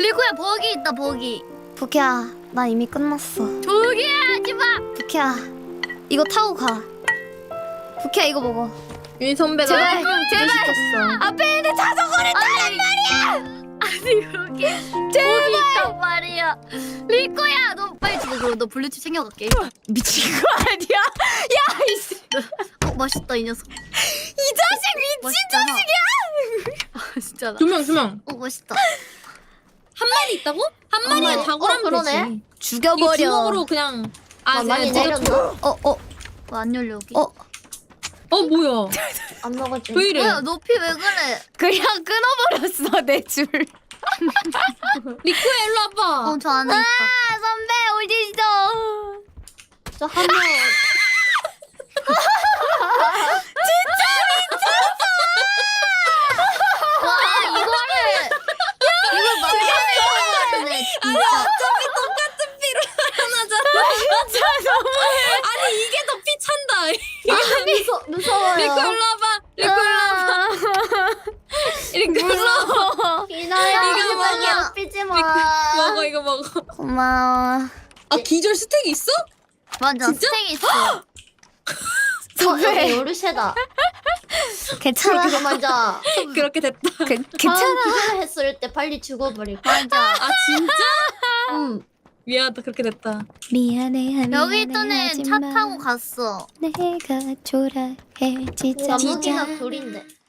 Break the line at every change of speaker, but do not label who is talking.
리코야 버기 있다 버기.
부키야, 나 이미 끝났어.
조용히 하지 마.
부키야, 이거 타고 가. 부키야, 이거 먹어.
윤 선배가
제발,
해명
제발.
시켰어.
앞에 있는 자전거를 타란 말이야.
아니 여기 버기 있단 말이야. 리코야 너 빨리 집에 그럼 너 블루칩 챙겨갈게.
미친 거 아니야? 야, 이씨.
맛있다 이 녀석.
이 자식 미친 자식이야.
아 진짜.
두 명.
맛있다.
한 마리 있다고? 한 마리에
마리.
다굴하면
그러네.
되지.
죽여버려.
이거 주먹으로 그냥.
많이
제가
내렸나?
안 열려 여기.
뭐야?
안 먹었지.
왜 이래?
뭐야 높이 왜 그래?
그냥 끊어버렸어 내 줄.
리코야 일로 와봐.
저 안에 있다.
선배 어디 있어?
저 한 명.
와 이거를 이걸 만들어내네 진짜.
진짜 너무해.
아니 이게 더 피찬다.
무서워요.
리코 일로 와봐. 리코 일로 와봐. 리코 일로 와봐.
이나야,
이거
제발
먹어.
괴롭히지 마.
먹어 이거 먹어.
고마워.
아 기절 스택 있어?
맞아
진짜?
스택 있어.
여기 요르쉐다.
괜찮아.
그거 맞아.
그렇게 됐다.
괜찮아.
기절했을 때 빨리 죽어버릴 거야.
맞아.
아 진짜?
응.
미안하다 그렇게 됐다.
미안해.
여기 있던 애 차 타고 갔어.
내가 초라해지자.
나무기나 둘인데.